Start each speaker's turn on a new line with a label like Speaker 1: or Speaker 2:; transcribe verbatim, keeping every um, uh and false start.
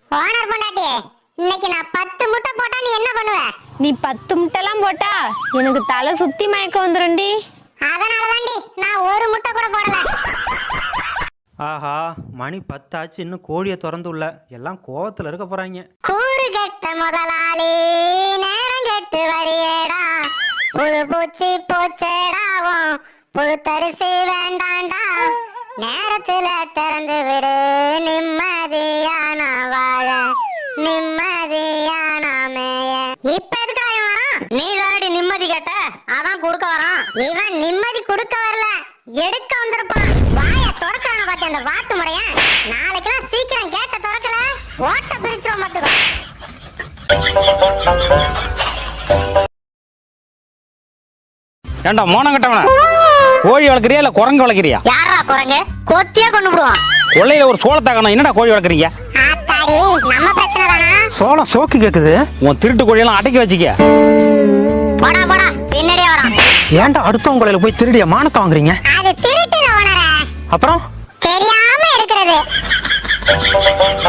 Speaker 1: Owner பொண்டாட்டி, இன்னைக்கு நான் பத்து முட்டை போட்டா நீ என்ன பண்ணுவ?
Speaker 2: நீ பத்து முட்டைலாம் போட்டா எனக்கு தலை சுத்தி மயக்கம் வந்துரும்டி.
Speaker 1: அதனாலதான்டி நான் ஒரு முட்டை கூட போடல.
Speaker 3: ஆஹா, மணி பத்தாச்சு, இன்னும் கோழியை திறந்து உள்ள. எல்லாம் கோவத்துல இருக்க போறாங்க.
Speaker 1: கூறு கெட்ட முதலாளி நேரம் கெட்டு வரியேடா, புழு பூச்சி போச்சேடாவும் புழு தரிசி வேண்டாண்டா, நேரத்துல திறந்து விடு நிம்மதியான வாழ நிம்மதியான மேய. இப்ப எதுக்கு வரான்? நீ தானடி நிம்மதி கேட்ட, அதான் கொடுக்க வரான். இவன் நிம்மதி கொடுக்க வரல, எடுக்க வந்திருப்பான். வாய திறக்கிறான பாத்தி அந்த வாத்து முறைய. நாளைக்கெல்லாம் சீக்கிரம் கேட்ட திறக்கல ஓட்ட பிரிச்சிரும் பாத்துக்கோ.
Speaker 4: ஏண்டா மோனம் கட்டவன, கோழி வளர்க்குறியா இல்ல குரங்கு வளர்க்குறியா?
Speaker 1: யாரா குரங்கு? கொத்தியா கொண்டு போடுவான்.
Speaker 4: கொள்ளையில ஒரு சோளத்தை காணோம், என்னடா கோழி வளர்க்குறீங்க?
Speaker 1: ஆத்தாடி, நம்ம பிரச்சனை தானா?
Speaker 3: சோளம் சோக்கு கேக்குது.
Speaker 4: உன் திருட்டு கோழியெல்லாம் அடக்கி வச்சுக்க.
Speaker 1: போடா போடா, பின்னாடியே வரான்.
Speaker 3: ஏன்டா அடுத்தவங்க கோழியில போய் திருடிய மானத்தை வாங்குறீங்க?
Speaker 1: அது திருட்டுல ஓனரே.
Speaker 3: அப்புறம்
Speaker 1: தெரியாம இருக்கிறது.